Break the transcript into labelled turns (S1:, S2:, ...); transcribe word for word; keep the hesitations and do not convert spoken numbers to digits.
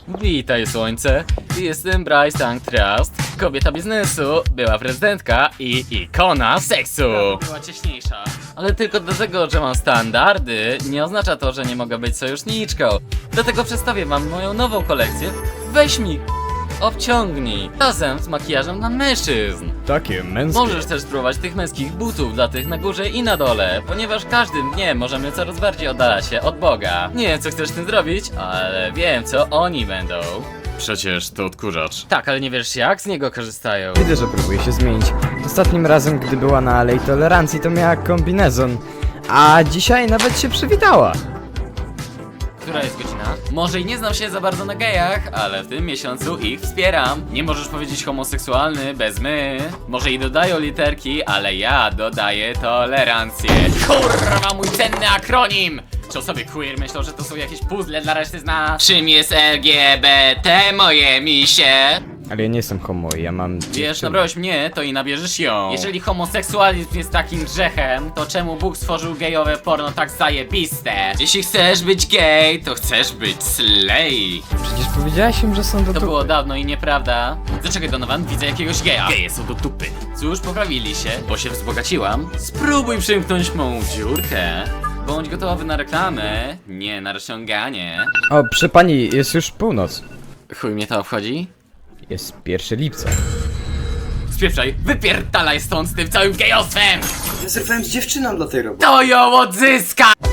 S1: Witaj słońce, jestem Bryce Tank Trust, kobieta biznesu, była prezydentka i ikona seksu. Była cieśniejsza. Ale tylko dlatego, że mam standardy, nie oznacza to, że nie mogę być sojuszniczką. Dlatego przedstawię wam moją nową kolekcję. Weź mi, obciągnij, razem z makijażem dla mężczyzn.
S2: Takie męskie.
S1: Możesz też spróbować tych męskich butów dla tych na górze i na dole, ponieważ każdym dniem możemy coraz bardziej oddalać się od Boga. Nie wiem, co chcesz z tym zrobić, ale wiem, co oni będą.
S3: Przecież to odkurzacz.
S1: Tak, ale nie wiesz, jak z niego korzystają.
S2: Widzę, że próbuje się zmienić. Ostatnim razem, gdy była na Alei Tolerancji, to miała kombinezon. A dzisiaj nawet się przywitała.
S1: Która jest godzina? Może i nie znam się za bardzo na gejach, ale w tym miesiącu ich wspieram. Nie możesz powiedzieć homoseksualny bez my. Może i dodają literki, ale ja dodaję tolerancję. Kurwa, mój cenny akronim! Czy osoby queer myślą, że to są jakieś puzzle dla reszty z nas? Czym jest L G B T, moje misie?
S2: Ale ja nie jestem homo, ja mam
S1: Wiesz,
S2: dziewczynę.
S1: nabrałeś mnie, to i nabierzesz ją. Jeżeli homoseksualizm jest takim grzechem, to czemu Bóg stworzył gejowe porno tak zajebiste? Jeśli chcesz być gej, to chcesz być slay.
S2: Przecież powiedziałaś im, że są do
S1: To
S2: dupy.
S1: było dawno i nieprawda. Zaczekaj, Donovan, widzę jakiegoś geja. Geje są do dupy. Cóż, poprawili się, bo się wzbogaciłam. Spróbuj przymknąć mą dziurkę. Bądź gotowy na reklamę, nie na rozciąganie.
S2: O, proszę pani, jest już północ.
S1: Chuj mnie to obchodzi?
S2: Jest pierwszego lipca.
S1: Spieprzaj, wypierdalaj stąd z tym całym gejostwem!
S4: Ja zerwałem z dziewczyną dla tej roboty.
S1: To ją odzyska!